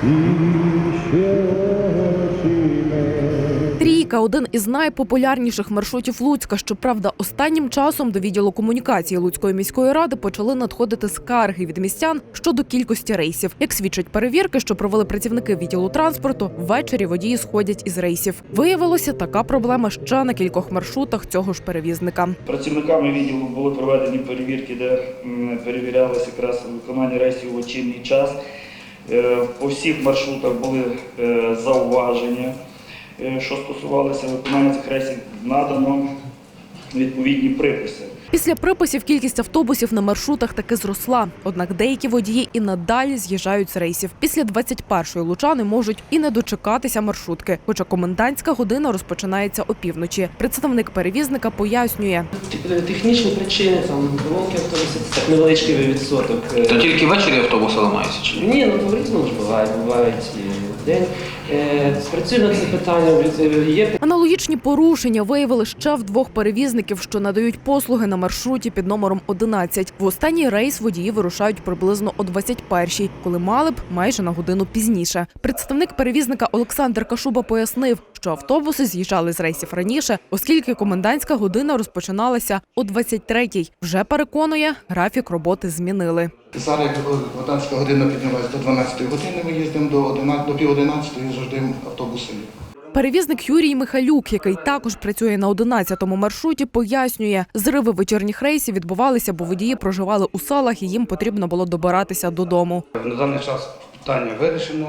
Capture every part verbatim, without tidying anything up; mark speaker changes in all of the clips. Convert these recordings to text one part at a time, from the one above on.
Speaker 1: Трійка – один із найпопулярніших маршрутів Луцька. Щоправда, останнім часом до відділу комунікації Луцької міської ради почали надходити скарги від містян щодо кількості рейсів. Як свідчать перевірки, що провели працівники відділу транспорту, ввечері водії сходять із рейсів. Виявилося, така проблема ще на кількох маршрутах цього ж перевізника.
Speaker 2: Працівниками відділу були проведені перевірки, де перевірялося якраз виконання рейсів у вечірній час. По всіх маршрутах були зауваження. Що стосувалося виконання цих рейсів, надано відповідні приписи.
Speaker 1: Після приписів кількість автобусів на маршрутах таки зросла. Однак деякі водії і надалі з'їжджають з рейсів. Після двадцять першої лучани можуть і не дочекатися маршрутки, хоча комендантська година розпочинається опівночі. Представник перевізника пояснює.
Speaker 3: Технічні причини, там, поломки автобусів, так невеличкий відсоток.
Speaker 4: То тільки ввечері автобуси ламаються? Чи ні?
Speaker 3: Ні, ну по-різному ж буває, бувають і в день. Спрацює на це питання. Є...
Speaker 1: Аналогічні порушення виявили ще в двох перевізників, що надають послуги на маршруті під номером одинадцять. В останній рейс водії вирушають приблизно о двадцять першій, коли мали б майже на годину пізніше. Представник перевізника Олександр Кашуба пояснив, що автобуси з'їжджали з рейсів раніше, оскільки комендантська година розпочиналася о двадцять третій. Вже переконує, графік роботи змінили.
Speaker 5: Зараз комендантська година піднялась до дванадцятої години, ми їздимо до пів одинадцятої, завжди автобуси.
Speaker 1: Перевізник Юрій Михайлюк, який також працює на одинадцятому маршруті, пояснює, зриви вечірніх рейсів відбувалися, бо водії проживали у селах і їм потрібно було добиратися додому.
Speaker 6: На даний час питання вирішено.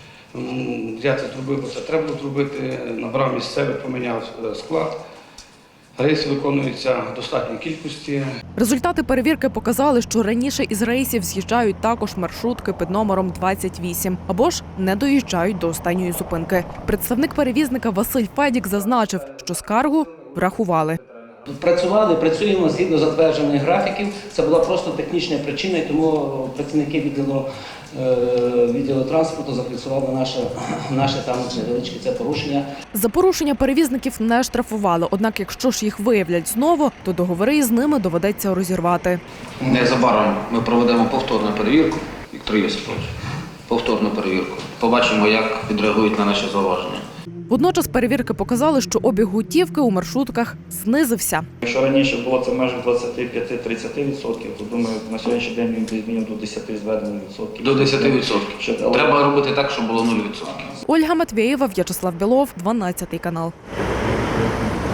Speaker 6: Я це зробив, бо це треба було зробити. Набрав місцевий, поміняв склад. Рейси виконуються в достатній кількості.
Speaker 1: Результати перевірки показали, що раніше із рейсів з'їжджають також маршрутки під номером двадцять вісім, або ж не доїжджають до останньої зупинки. Представник перевізника Василь Федік зазначив, що скаргу врахували.
Speaker 3: Працювали, працюємо згідно затверджених графіків. Це була просто технічна причина, і тому працівники відділу, відділу транспорту зафіксували наше, наше там невеличке це порушення.
Speaker 1: За порушення перевізників не штрафували, однак якщо ж їх виявлять знову, то договори із ними доведеться розірвати.
Speaker 4: Незабаром ми проведемо повторну перевірку, Віктор Йосипович, повторну перевірку. Побачимо, як відреагують на наші зауваження.
Speaker 1: Водночас перевірки показали, що обіг готівки у маршрутках знизився.
Speaker 2: Якщо раніше було це в межах двадцять п'ять - тридцять відсотків, то, думаю, на сьогоднішній день він десь мінімум до десяти зведених відсотків.
Speaker 4: До десяти відсотків.
Speaker 2: Щоб...
Speaker 4: Треба робити так, щоб було нуль відсотків.
Speaker 1: Ольга Матвєєва, В'ячеслав Білов, дванадцятий канал.